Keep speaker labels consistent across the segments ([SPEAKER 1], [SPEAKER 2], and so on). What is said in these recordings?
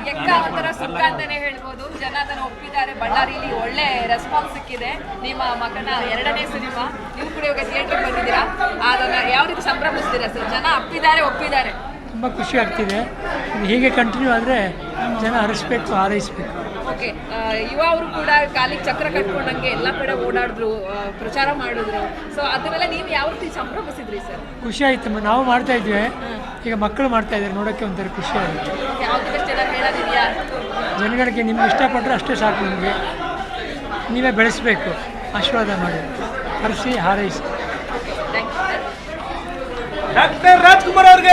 [SPEAKER 1] ಎಕ್ಕ ಒಂಥರ ಸುಖ ಅಂತಾನೆ ಹೇಳ್ಬೋದು. ಜನ ಅದನ್ನ ಒಪ್ಪಿದ್ದಾರೆ. ಬಳ್ಳಾರಿಲಿ ಒಳ್ಳೆ ರೆಸ್ಪಾನ್ಸ್ ಸಿಕ್ಕಿದೆ. ನಿಮ್ಮ ಮಗನ 2ನೇ ಸಿನಿಮಾ, ನೀವು ಕೂಡ ಇವಾಗ ಥಿಯೇಟರ್ ಬಂದಿದ್ದೀರಾ, ಅದನ್ನ ಯಾವ ರೀತಿ ಸಂಭ್ರಮಿಸ್ತೀರಾ ಸರ್? ಜನ ಒಪ್ಪಿದ್ದಾರೆ.
[SPEAKER 2] ತುಂಬ ಖುಷಿ ಆಗ್ತಿದೆ. ಹೀಗೆ ಕಂಟಿನ್ಯೂ ಆದರೆ ಜನ ಹರಿಸ್ಬೇಕು, ಹಾರೈಸ್ಬೇಕು.
[SPEAKER 1] ಓಕೆ, ಯುವ ಅವರು ಕೂಡ ಕಾಲಿಗೆ ಚಕ್ರ ಕಟ್ಕೊಂಡಂಗೆ ಎಲ್ಲ ಕಡೆ ಓಡಾಡಿದ್ರು, ಪ್ರಚಾರ ಮಾಡಿದ್ರು. ಸೊ ಅದನ್ನೆಲ್ಲ ನೀವು ಯಾವ ರೀತಿ ಸಂಭ್ರಮಿಸಿದ್ರಿ ಸರ್?
[SPEAKER 2] ಖುಷಿ ಆಯ್ತು. ನಾವು ಮಾಡ್ತಾ ಇದ್ವಿ, ಈಗ ಮಕ್ಕಳು ಮಾಡ್ತಾ ಇದ್ದಾರೆ, ನೋಡೋಕ್ಕೆ ಒಂಥರ ಖುಷಿ ಆಗುತ್ತೆ.
[SPEAKER 1] ಯಾವ್ದು ಬೆಸ್ಟ್ ಎಲ್ಲ ಹೇಳೋದಿದೆಯಾ?
[SPEAKER 2] ಜನಗಳಿಗೆ ನಿಮ್ಗೆ ಇಷ್ಟಪಟ್ಟರೆ ಅಷ್ಟೇ ಸಾಕು. ನಿಮಗೆ ನೀವೇ ಬೆಳೆಸಬೇಕು, ಆಶೀರ್ವಾದ ಮಾಡಿ, ಹರಿಸಿ ಹಾರೈಸಿ.
[SPEAKER 1] Thank you sir.
[SPEAKER 3] Doctor Rajkumar ಅವ್ರಿಗೆ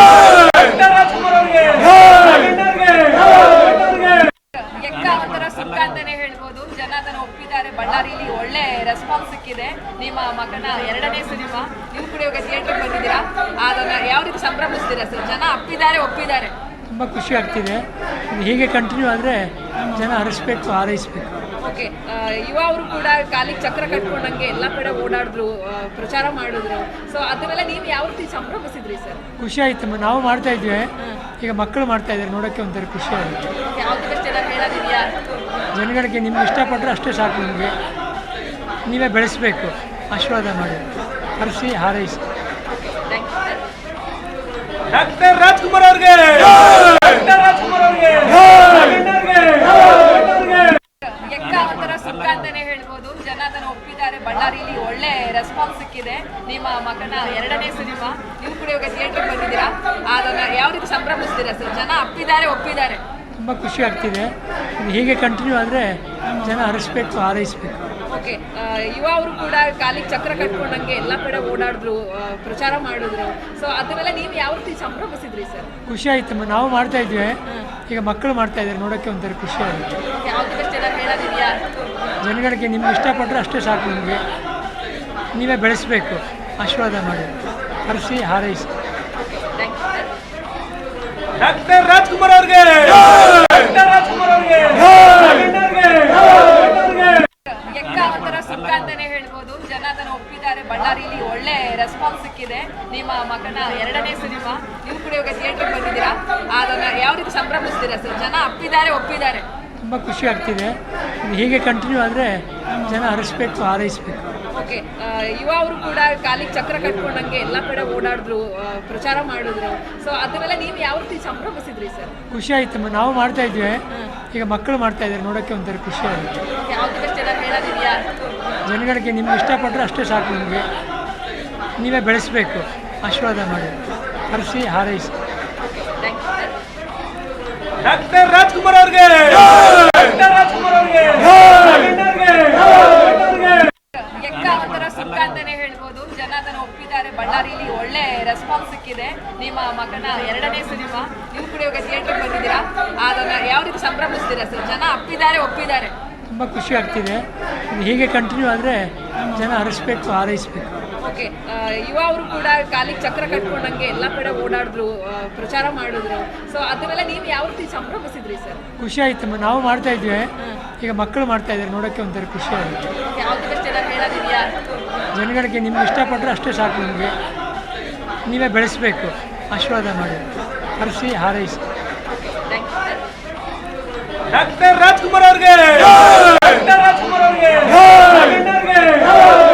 [SPEAKER 1] ಎಕ್ಕ ಒಂಥರ ಸುಖ ಅಂತಾನೆ ಹೇಳ್ಬೋದು. ಜನ ಅದನ್ನ ಒಪ್ಪಿದ್ದಾರೆ. ಬಳ್ಳಾರಿಲಿ ಒಳ್ಳೆ ರೆಸ್ಪಾನ್ಸ್ ಸಿಕ್ಕಿದೆ. ನಿಮ್ಮ ಮಗನ 2ನೇ ಸಿನಿಮಾ, ನೀವು ಕೂಡ ಇವಾಗ ಥಿಯೇಟರ್ ಬಂದಿದ್ದೀರಾ, ಅದನ್ನ ಯಾವ ರೀತಿ ಸಂಭ್ರಮಿಸ್ತೀರಾ ಸರ್? ಜನ ಒಪ್ಪಿದ್ದಾರೆ.
[SPEAKER 2] ತುಂಬ ಖುಷಿ ಆಗ್ತಿದೆ. ಹೀಗೆ ಕಂಟಿನ್ಯೂ ಆದರೆ ಜನ ಹರಿಸ್ಬೇಕು, ಹಾರೈಸ್ಬೇಕು.
[SPEAKER 1] ಓಕೆ, ಯುವ ಅವರು ಕೂಡ ಕಾಲಿಗೆ ಚಕ್ರ ಕಟ್ಕೊಂಡಂಗೆ ಎಲ್ಲ ಕಡೆ ಓಡಾಡಿದ್ರು, ಪ್ರಚಾರ ಮಾಡಿದ್ರು. ಸೊ ಅದನ್ನೆಲ್ಲ ನೀವು ಯಾವ ರೀತಿ ಸಂಭ್ರಮಿಸಿದ್ರಿ ಸರ್?
[SPEAKER 2] ಖುಷಿ ಆಯ್ತು. ನಾವು ಮಾಡ್ತಾ ಇದ್ವಿ, ಈಗ ಮಕ್ಕಳು ಮಾಡ್ತಾ ಇದ್ದಾರೆ, ನೋಡೋಕ್ಕೆ ಒಂಥರ ಖುಷಿ ಆಗುತ್ತೆ.
[SPEAKER 1] ಯಾವ್ದು ಬೆಸ್ಟ್ ಎಲ್ಲ ಹೇಳೋದಿದೆಯಾ?
[SPEAKER 2] ಜನಗಳಿಗೆ ನಿಮ್ಗೆ ಇಷ್ಟಪಟ್ಟರೆ ಅಷ್ಟೇ ಸಾಕು. ನಿಮಗೆ ನೀವೇ ಬೆಳೆಸಬೇಕು, ಆಶೀರ್ವಾದ ಮಾಡಿ, ಹರಿಸಿ ಹಾರೈಸಿ.
[SPEAKER 1] Thank you sir.
[SPEAKER 3] Doctor Rajkumar ಅವ್ರಿಗೆ
[SPEAKER 1] ಎಕ್ಕ ಒಂಥರ ಸುಖ ಅಂತಾನೆ ಹೇಳ್ಬೋದು. ಜನ ಅದನ್ನ ಒಪ್ಪಿದ್ದಾರೆ. ಬಳ್ಳಾರಿಲಿ ಒಳ್ಳೆ ರೆಸ್ಪಾನ್ಸ್ ಸಿಕ್ಕಿದೆ. ನಿಮ್ಮ ಮಗನ 2ನೇ ಸಿನಿಮಾ, ನೀವು ಕೂಡ ಇವಾಗ ಥಿಯೇಟರ್ ಬಂದಿದ್ದೀರಾ, ಅದನ್ನ ಯಾವ ರೀತಿ ಸಂಭ್ರಮಿಸ್ತೀರಾ ಸರ್? ಜನ ಒಪ್ಪಿದ್ದಾರೆ.
[SPEAKER 2] ತುಂಬ ಖುಷಿ ಆಗ್ತಿದೆ. ಹೀಗೆ ಕಂಟಿನ್ಯೂ ಆದರೆ ಜನ ಹರಿಸ್ಬೇಕು, ಹಾರೈಸ್ಬೇಕು.
[SPEAKER 1] ಓಕೆ, ಯುವ ಅವರು ಕೂಡ ಕಾಲಿಗೆ ಚಕ್ರ ಕಟ್ಕೊಂಡಂಗೆ ಎಲ್ಲ ಕಡೆ ಓಡಾಡಿದ್ರು, ಪ್ರಚಾರ ಮಾಡಿದ್ರು. ಸೊ ಅದನ್ನೆಲ್ಲ ನೀವು ಯಾವ ರೀತಿ ಸಂಭ್ರಮಿಸಿದ್ರಿ ಸರ್?
[SPEAKER 2] ಖುಷಿ ಆಯ್ತು. ನಾವು ಮಾಡ್ತಾ ಇದ್ವಿ, ಈಗ ಮಕ್ಕಳು ಮಾಡ್ತಾ ಇದ್ದಾರೆ, ನೋಡೋಕ್ಕೆ ಒಂಥರ ಖುಷಿ ಆಗುತ್ತೆ.
[SPEAKER 1] ಯಾವ್ದು ಬೆಸ್ಟ್ ಎಲ್ಲ ಹೇಳೋದಿದೆಯಾ?
[SPEAKER 2] ಜನಗಳಿಗೆ ನಿಮ್ಗೆ ಇಷ್ಟಪಟ್ಟರೆ ಅಷ್ಟೇ ಸಾಕು. ನಿಮಗೆ ನೀವೇ ಬೆಳೆಸಬೇಕು, ಆಶೀರ್ವಾದ ಮಾಡಿ, ಹರಿಸಿ ಹಾರೈಸಿ.
[SPEAKER 1] Thank you sir.
[SPEAKER 3] Doctor Rajkumar ಅವ್ರಿಗೆ
[SPEAKER 1] ಎಕ್ಕ ಒಂಥರ ಸುಖ ಅಂತಾನೆ ಹೇಳ್ಬೋದು. ಜನ ಅದನ್ನ ಒಪ್ಪಿದ್ದಾರೆ. ಬಳ್ಳಾರಿಲಿ ಒಳ್ಳೆ ರೆಸ್ಪಾನ್ಸ್ ಸಿಕ್ಕಿದೆ. ನಿಮ್ಮ ಮಗನ 2ನೇ ಸಿನಿಮಾ, ನೀವು ಕೂಡ ಇವಾಗ ಥಿಯೇಟರ್ ಬಂದಿದ್ದೀರಾ, ಅದನ್ನ ಯಾವ ರೀತಿ ಸಂಭ್ರಮಿಸ್ತೀರಾ ಸರ್? ಜನ ಒಪ್ಪಿದ್ದಾರೆ.
[SPEAKER 2] ತುಂಬ ಖುಷಿ ಆಗ್ತಿದೆ. ಹೀಗೆ ಕಂಟಿನ್ಯೂ ಆದರೆ ಜನ ಹರಿಸ್ಬೇಕು, ಹಾರೈಸ್ಬೇಕು.
[SPEAKER 1] ಓಕೆ, ಯುವ ಅವರು ಕೂಡ ಕಾಲಿಗೆ ಚಕ್ರ ಕಟ್ಕೊಂಡಂಗೆ ಎಲ್ಲ ಕಡೆ ಓಡಾಡಿದ್ರು, ಪ್ರಚಾರ ಮಾಡಿದ್ರು. ಸೊ ಅದನ್ನೆಲ್ಲ ನೀವು ಯಾವ ರೀತಿ ಸಂಭ್ರಮಿಸಿದ್ರಿ ಸರ್?
[SPEAKER 2] ಖುಷಿ ಆಯ್ತು. ನಾವು ಮಾಡ್ತಾ ಇದ್ವಿ, ಈಗ ಮಕ್ಕಳು ಮಾಡ್ತಾ ಇದ್ದಾರೆ, ನೋಡೋಕ್ಕೆ ಒಂಥರ ಖುಷಿ ಆಗುತ್ತೆ.
[SPEAKER 1] ಯಾವ್ದು ಬೆಸ್ಟ್ ಎಲ್ಲ ಹೇಳೋದಿದೆಯಾ?
[SPEAKER 2] ಜನಗಳಿಗೆ ನಿಮ್ಗೆ ಇಷ್ಟಪಟ್ಟರೆ ಅಷ್ಟೇ ಸಾಕು. ನಿಮಗೆ ನೀವೇ ಬೆಳೆಸಬೇಕು, ಆಶೀರ್ವಾದ ಮಾಡಿ, ಹರಿಸಿ ಹಾರೈಸಿ.
[SPEAKER 1] Thank you sir.
[SPEAKER 3] Doctor Rajkumar ಅವ್ರಿಗೆ
[SPEAKER 1] ಎಕ್ಕ ಒಂಥರ ಸುಖ ಅಂತಾನೆ ಹೇಳ್ಬೋದು. ಜನ ಅದನ್ನ ಒಪ್ಪಿದ್ದಾರೆ. ಬಳ್ಳಾರಿಲಿ ಒಳ್ಳೆ ರೆಸ್ಪಾನ್ಸ್ ಸಿಕ್ಕಿದೆ. ನಿಮ್ಮ ಮಗನ 2ನೇ ಸಿನಿಮಾ, ನೀವು ಕೂಡ ಇವಾಗ ಥಿಯೇಟರ್ ಬಂದಿದ್ದೀರಾ, ಅದನ್ನ ಯಾವ ರೀತಿ ಸಂಭ್ರಮಿಸ್ತೀರಾ ಸರ್? ಜನ ಒಪ್ಪಿದ್ದಾರೆ.
[SPEAKER 2] ತುಂಬ ಖುಷಿ ಆಗ್ತಿದೆ. ಹೀಗೆ ಕಂಟಿನ್ಯೂ ಆದರೆ ಜನ ಹರಿಸ್ಬೇಕು, ಹಾರೈಸ್ಬೇಕು.
[SPEAKER 1] ಓಕೆ, ಯುವ ಅವರು ಕೂಡ ಕಾಲಿಗೆ ಚಕ್ರ ಕಟ್ಕೊಂಡಂಗೆ ಎಲ್ಲ ಕಡೆ ಓಡಾಡಿದ್ರು, ಪ್ರಚಾರ ಮಾಡಿದ್ರು. ಸೊ ಅದನ್ನೆಲ್ಲ ನೀವು ಯಾವ ರೀತಿ ಸಂಭ್ರಮಿಸಿದ್ರಿ ಸರ್?
[SPEAKER 2] ಖುಷಿ ಆಯ್ತು. ನಾವು ಮಾಡ್ತಾ ಇದ್ವಿ, ಈಗ ಮಕ್ಕಳು ಮಾಡ್ತಾ ಇದ್ದಾರೆ, ನೋಡೋಕ್ಕೆ ಒಂಥರ ಖುಷಿ ಆಗುತ್ತೆ.
[SPEAKER 1] ಯಾವ್ದು ಬೆಸ್ಟ್ ಎಲ್ಲ ಹೇಳೋದಿದೆಯಾ?
[SPEAKER 2] ಜನಗಳಿಗೆ ನಿಮ್ಗೆ ಇಷ್ಟಪಟ್ಟರೆ ಅಷ್ಟೇ ಸಾಕು. ನಿಮಗೆ ನೀವೇ ಬೆಳೆಸಬೇಕು, ಆಶೀರ್ವಾದ ಮಾಡಿ, ಹರಿಸಿ ಹಾರೈಸಿ.
[SPEAKER 1] Thank you sir.
[SPEAKER 3] Doctor Rajkumar ಅವ್ರಿಗೆ